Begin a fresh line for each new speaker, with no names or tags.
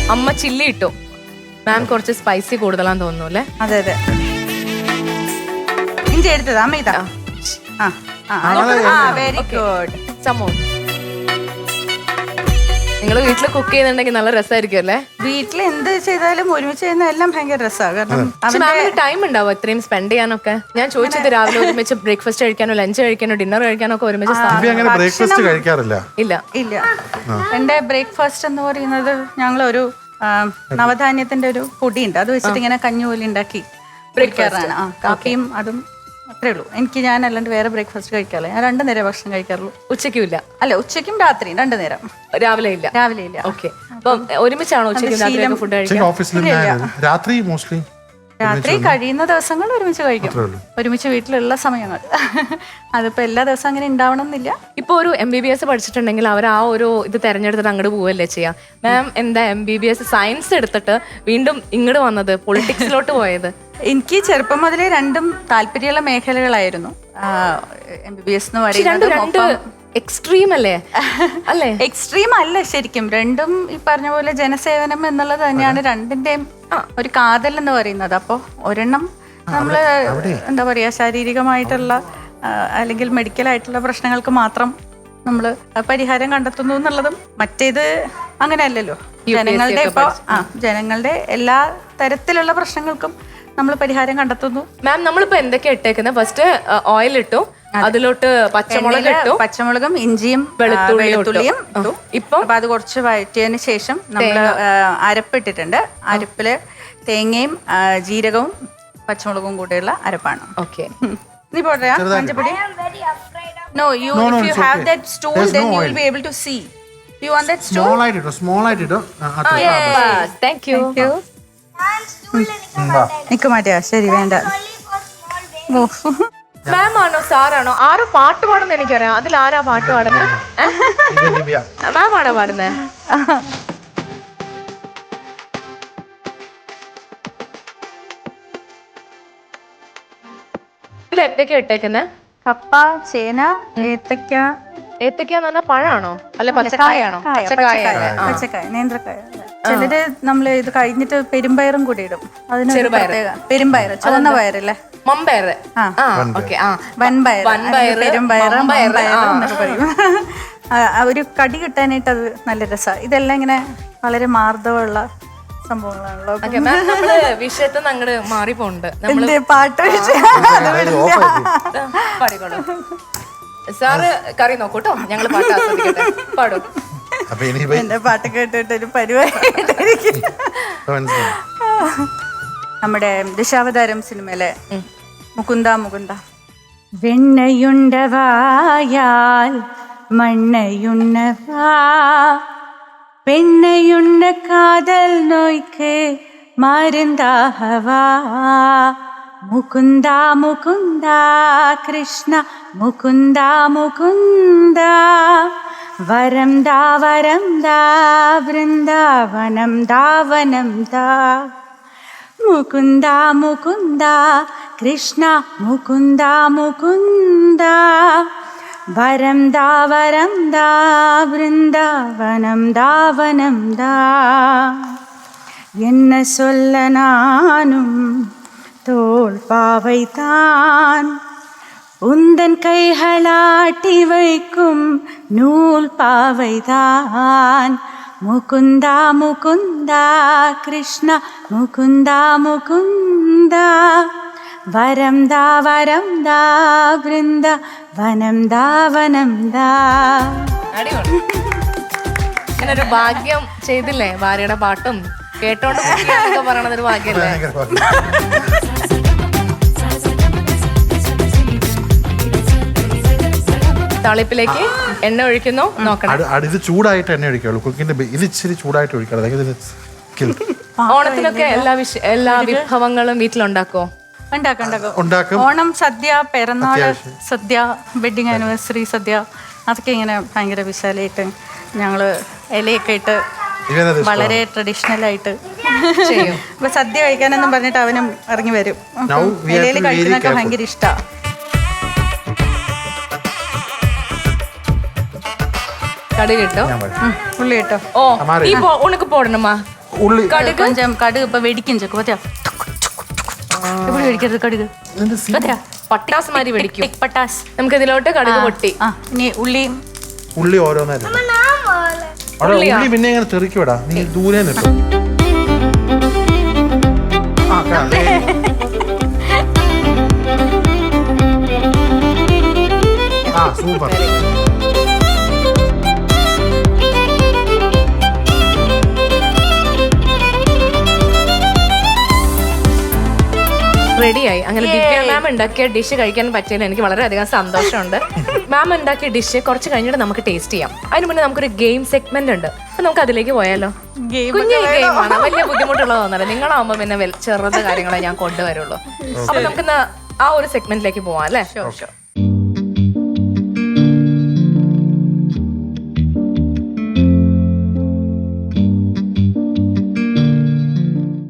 അമ്മ ചില്ലി ഇട്ടു. മാം കുറച്ച് സ്പൈസി കൂടുതലാന്ന് തോന്നുന്നു അല്ലേ?
അതെ അതെ. ഇഞ്ചി എടുത്തത് അമ്മ ഇതാ. Very good.
സമോ നിങ്ങൾ വീട്ടിൽ കുക്ക് ചെയ്യുന്നുണ്ടെങ്കിൽ നല്ല രസമായിരിക്കും അല്ലേ?
വീട്ടിൽ എന്ത് ചെയ്താലും ഒരുമിച്ച് ചെയ്യുന്ന എല്ലാം ഭയങ്കര രസമാണ്. കാരണം
മാമിന് ടൈം ഉണ്ടാവും ഇത്രയും സ്പെൻഡ് ചെയ്യാനൊക്കെ? ഞാൻ ചോദിച്ചത് രാവിലെ ഒരുമിച്ച് ബ്രേക്ക്ഫാസ്റ്റ് കഴിക്കാനോ ലഞ്ച് കഴിക്കാനോ ഡിന്നർ കഴിക്കാനോ ഒക്കെ ഒരുമിച്ച്
ബ്രേക്ക്ഫാസ്റ്റ് കഴിക്കാറില്ല.
ഇല്ല.
എന്റെ ബ്രേക്ക്ഫാസ്റ്റ് എന്ന് പറയുന്നത് ഞങ്ങളൊരു നവധാന്യത്തിന്റെ ഒരു പൊടിയുണ്ട്, അത് വെച്ചിട്ട് ഇങ്ങനെ കഞ്ഞി പോലെ ഉണ്ടാക്കി ബ്രേക്ക്ഫാസ്റ്റ്. കാപ്പിയും അതും അത്രേ ഉള്ളൂ. ഞാൻ അല്ലാണ്ട് വേറെ ബ്രേക്ക്ഫാസ്റ്റ് കഴിക്കാറില്ല. ഞാൻ 2 നേരം ഭക്ഷണം കഴിക്കാറുള്ളൂ.
ഉച്ചയ്ക്കും ഇല്ല?
അല്ല, ഉച്ചയ്ക്കും രാത്രിയും 2 നേരം.
രാവിലെ ഇല്ല?
രാവിലെ ഇല്ല.
ഓക്കെ. അപ്പം ഒരുമിച്ചാണോ ഉച്ചയ്ക്കും ഫുഡ് കഴിക്കുക?
രാത്രി കഴിയുന്ന ദിവസങ്ങൾ ഒരുമിച്ച് കഴിക്കും, ഒരുമിച്ച് വീട്ടിലുള്ള സമയങ്ങൾ. അതിപ്പോ എല്ലാ ദിവസവും അങ്ങനെ ഉണ്ടാവണം എന്നില്ല.
ഇപ്പൊ ഒരു MBBS പഠിച്ചിട്ടുണ്ടെങ്കിൽ അവർ ആ ഒരു ഇത് തെരഞ്ഞെടുത്തിട്ട് അങ്ങോട്ട് പോവല്ലേ ചെയ്യാം. മാം എന്താ MBBS സയൻസ് എടുത്തിട്ട് വീണ്ടും ഇങ്ങോട്ട് വന്നത്, പൊളിറ്റിക്സിലോട്ട് പോയത്?
എനിക്ക് ചെറുപ്പം മുതലേ രണ്ടും താല്പര്യമുള്ള മേഖലകളായിരുന്നു. MBBS എന്ന് പറയുന്നത്
എക്സ്ട്രീം അല്ലേ? അല്ലേ?
എക്സ്ട്രീം അല്ല ശരിക്കും. രണ്ടും ഈ പറഞ്ഞ പോലെ ജനസേവനം എന്നുള്ളത് തന്നെയാണ് രണ്ടിന്റെയും ഒരു കാതൽ എന്ന് പറയുന്നത്. അപ്പോൾ ഒരെണ്ണം നമ്മള് എന്താ പറയാ ശാരീരികമായിട്ടുള്ള അല്ലെങ്കിൽ മെഡിക്കൽ ആയിട്ടുള്ള പ്രശ്നങ്ങൾക്ക് മാത്രം നമ്മൾ പരിഹാരം കണ്ടെത്തുന്നു എന്നുള്ളതും, മറ്റേത് അങ്ങനെയല്ലല്ലോ. ജനങ്ങളുടെ ജനങ്ങളുടെ എല്ലാ തരത്തിലുള്ള പ്രശ്നങ്ങൾക്കും നമ്മൾ പരിഹാരം കണ്ടെത്തുന്നു.
മാം നമ്മളിപ്പോ എന്തൊക്കെയാ ഇട്ടേക്കുന്നത്? ഫസ്റ്റ് ഓയിൽ ഇട്ടു, അതിലോട്ട് പച്ചമുളക് ഇട്ടു,
പച്ചമുളകും ഇഞ്ചിയും വെളുത്തുള്ളിയും ഇപ്പൊ അത് കുറച്ച് വഴറ്റിയതിന് ശേഷം നമ്മൾ അരപ്പിട്ടിട്ടുണ്ട്. അരപ്പില് തേങ്ങയും ജീരകവും പച്ചമുളകും കൂടെയുള്ള അരപ്പാണ്.
ഓക്കെ.
നീ പോട്ടെ മഞ്ഞപ്പൊടി. No, if you have that stool, then you will be able to see. You want that stool?
Small ആയിട്ട്.
Yes, thank you.
നിക്ക് മാറ്റിയാ ശരി, വേണ്ട.
മാം ആണോ സാറാണോ? ആരോ പാട്ട് പാടുന്ന എനിക്കറിയാം. അതിൽ ആരാ പാട്ട് പാടുന്നത്? മാം ആണോ പാടുന്നത്? ഇതിൽ എന്തൊക്കെയാ ഇട്ടേക്കുന്നത്?
കപ്പ, ചേന, ഏത്തക്ക.
ഏത്തക്കാന്ന് പറഞ്ഞാൽ പഴമാണോ അല്ല പച്ചക്കായാണോ?
പച്ചക്കായ, നേന്ത്രക്കായ. ചിലര് നമ്മള് ഇത് കഴിഞ്ഞിട്ട് പെരുമ്പയറും കൂടി ഇടും. അതിന് പെരുമ്പയർ, ചുവന്ന പയറല്ലേ?
മമ്പയർ.
വൻപയർ, പെരുമ്പയർ, എന്നൊക്കെ പറയും. ഒരു കടി കിട്ടാനായിട്ട് അത് നല്ല രസമാണ്. ഇതെല്ലാം ഇങ്ങനെ വളരെ മാർദ്ദവമുള്ള സംഭവങ്ങളാണല്ലോ.
വിഷയത്തിൽ അങ്ങോട്ട് മാറിപ്പോണ്ട്.
പാട്ട്
പാടിക്കോളൂ സാറ്. കറി നോക്കൂട്ടോ, ഞങ്ങള് പാട്ട് ആസ്വദിക്കട്ടെ. പാടും.
എന്റെ പാട്ട് കേട്ടിട്ട് ഒരു പരിപാടി. നമ്മുടെ ദശാവതാരം സിനിമയിലെ മുകുന്ദ മുകുന്ദ. വെണ്ണയുണ്ടവായാൽ മണ്ണയുണ്ണവാ, പെണ്ണയുണ്ണ കാതൽ നോയ്ക്ക് മരുந்தாகவா. മുകുന്ദ മുകുന്ദ കൃഷ്ണ മുകുന്ദ മുകുന്ദ, വരം ദാ വൃന്ദാവനം ദാവനം ദാ. മുകുന്ദ മുകുന്ദ കൃഷ്ണ മുകുന്ദ മുകുന്ദ, വരം ദാ വൃന്ദാവനം ദാവനം ദാ. என்ன சொல்ல நானும் தோள் பாவைதான், உந்தன் கைகளாட்டி வைக்கும் நூல் பாவைதான். முகுந்தா முகுந்தா கிருஷ்ண முகுந்தா முகுந்தா, വരം ദാ വൃന്ദാവനം ദാവനം ദാ.
ഒരു ഭാഗ്യം ചെയ്തില്ലേ ഭാര്യയുടെ പാട്ടും കേട്ടോണ്ട് പറയണത്? ഒരു ഭാഗ്യല്ലേ? തളിപ്പിലേക്ക് എണ്ണ ഒഴിക്കുന്നു. നോക്കണം,
ഇത് ചൂടായിട്ട് എണ്ണ ഒഴിക്കുള്ളൂ. കുക്കിന്റെ ഇത് ഇച്ചിരി ചൂടായിട്ട് ഒഴിക്കണം.
ഓണത്തിനൊക്കെ എല്ലാ വിഭവങ്ങളും വീട്ടിലുണ്ടാക്കോ?
ഉണ്ടാക്കും. ഓണം സദ്യ, പിറന്നാള് സദ്യ, വെഡിങ് ആനിവേഴ്സറി സദ്യ, അതൊക്കെ ഇങ്ങനെ ഭയങ്കര വിശാലമായിട്ട് ഞങ്ങള് ഇലയൊക്കെ ഇട്ട് വളരെ ട്രഡീഷണൽ ആയിട്ട് ചെയ്യും. ഇപ്പൊ സദ്യ കഴിക്കാനെന്നും പറഞ്ഞിട്ട് അവനും ഇറങ്ങി വരും. ഇലയിൽ കഴിക്കുന്നൊക്കെ ഭയങ്കര ഇഷ്ടമാണ്.
കടുക് ഇട്ടോ,
ഉള്ളി ഇട്ടോ.
ഓ, ഉണക്ക് പോടണമാ.
ഉള്ളി
கொஞ்சம் கடுகு இப்ப வெடிக்கும் செக்கு பாத்தியா எப்படி வெடிக்கிறது கடுகு பாத்தியா
പട്ടാസ് മാതിരി വെടിക്കും
ടിക് പട്ടാസ്
നമുക്ക് ഇതിലോട്ട് കടുക് പൊട്ടി
ആ ഇനി ഉള്ളി
ഉള്ളി ഓരോന്നായിരുന്നു അവിടെ ഉള്ളി പിന്നെ ഇങ്ങനെ തെറിക്കൂടാ നീ ദൂരെ നിൽക്കും സൂപ്പർ
റെഡിയായി. അങ്ങനെ ദിവ്യ മാം ഉണ്ടാക്കിയ ഡിഷ് കഴിക്കാൻ പറ്റിയതിൽ എനിക്ക് വളരെയധികം സന്തോഷമുണ്ട്. മാം ഉണ്ടാക്കിയ ഡിഷ് കുറച്ച് കഴിഞ്ഞിട്ട് നമുക്ക് ടേസ്റ്റ് ചെയ്യാം. അതിന് മുന്നേ നമുക്കൊരു ഗെയിം സെഗ്മെന്റ് ഉണ്ട്. അപ്പൊ നമുക്ക് അതിലേക്ക് പോയാലോ? കുഞ്ഞു ഗെയിമാണ്, വലിയ ബുദ്ധിമുട്ടുള്ളതൊന്നല്ല. നിങ്ങളാവുമ്പോ പിന്നെ ചെറുത് കാര്യങ്ങളെ ഞാൻ കൊണ്ടുവരുള്ളൂ. അപ്പൊ നമുക്ക് ആ ഒരു സെഗ്മെന്റിലേക്ക് പോവാം അല്ലേ?